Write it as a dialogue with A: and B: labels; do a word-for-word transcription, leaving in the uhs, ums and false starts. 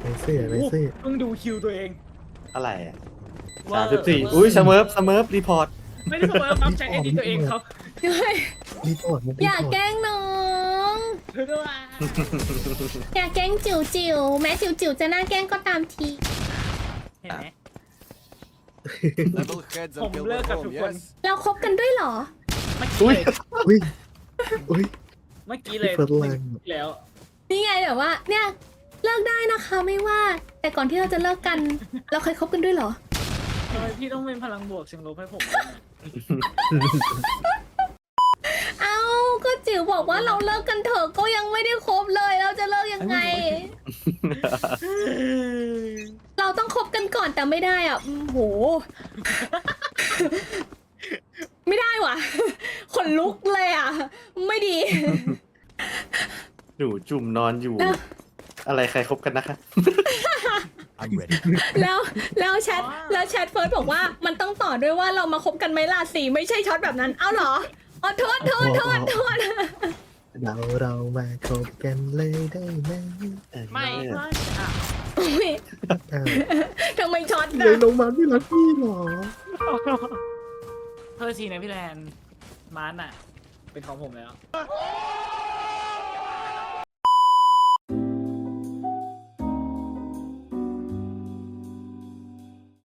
A: เสื้อไรเสื้อ
B: เพิ่งดูคิวตัวเอง
C: อะไรอ่ะ
B: ว่า
C: สามสิบสี่อุ้ยสเมิร์ฟสเมิร์ฟรีพอร์ต
B: ไม่ได้เสมอครับใช้ไอดีตัวเองครับ
A: รีพอร์ตมัน
D: อย่าแกล้งน้อง
B: ด้วย
D: อย่าแกล้งจิ๋วจิ๋วแม้จิ๋วจิ๋วจะน่าแกล้งก็ตามที
B: เห็นไหม
E: Level heads
B: ผม
E: and
B: เลิก
E: Gilbert
B: กับทุก
E: home,
B: คน
E: yes?
D: เราคบกันด้วยเหรอ
B: เมื่อ
C: อุ้
B: กี้
C: ย
B: เลย
A: อุ้ยอุ้ย
B: เมื่อกี้เลย
A: เปิดแรง
B: แล้ว
D: นี่ไงแบบว่า เนี่ยเลิกได้นะคะไม่ว่า แต่ก่อนที่เราจะเลิกกัน เราเคยคบกันด้วยเหรอ
B: ทำไมพี่ต้องเป็นพลังบวกเชิงลบให้ผมด้วยเนี่ย
D: เอ้าก็จิ๋วบอกว่าเราเลิกกันเถอะก็ยังไม่ได้คบเลย เราจะเลิกยังไง เราต้องคบกันก่อนแต่ไม่ได้อ่ะอืมโห ไม่ได้ว่ะ ขนลุกเลยอ่ะ ไม่ดี
C: หนูจุ่มนอนอยู่
D: แล้ว
C: อะไรใครคบกันนะคะ
E: I'm ready.
D: แล้วแล้วแชทแล้วแชทเฟิร์สบอกว่ามันต้องต่อด้วยว่าเรามาคบกันไหมล่ะสีไม่ใช่ช็อตแบบนั้น เอ้าเหรออ๋อโทษโทษโทษโทษ
A: เราเรามาคบกันเลยได้ไหม
B: ไม่ว่าอ่ะ
D: อุ๊ย
A: อ้าว
D: ทำไมช็อต
A: เล
D: นะ
A: ยลงมาไม่รักพี่หรอ
B: เพื่อทีนะพี่แลนมานอ่ะ เป็นของผมแล้ว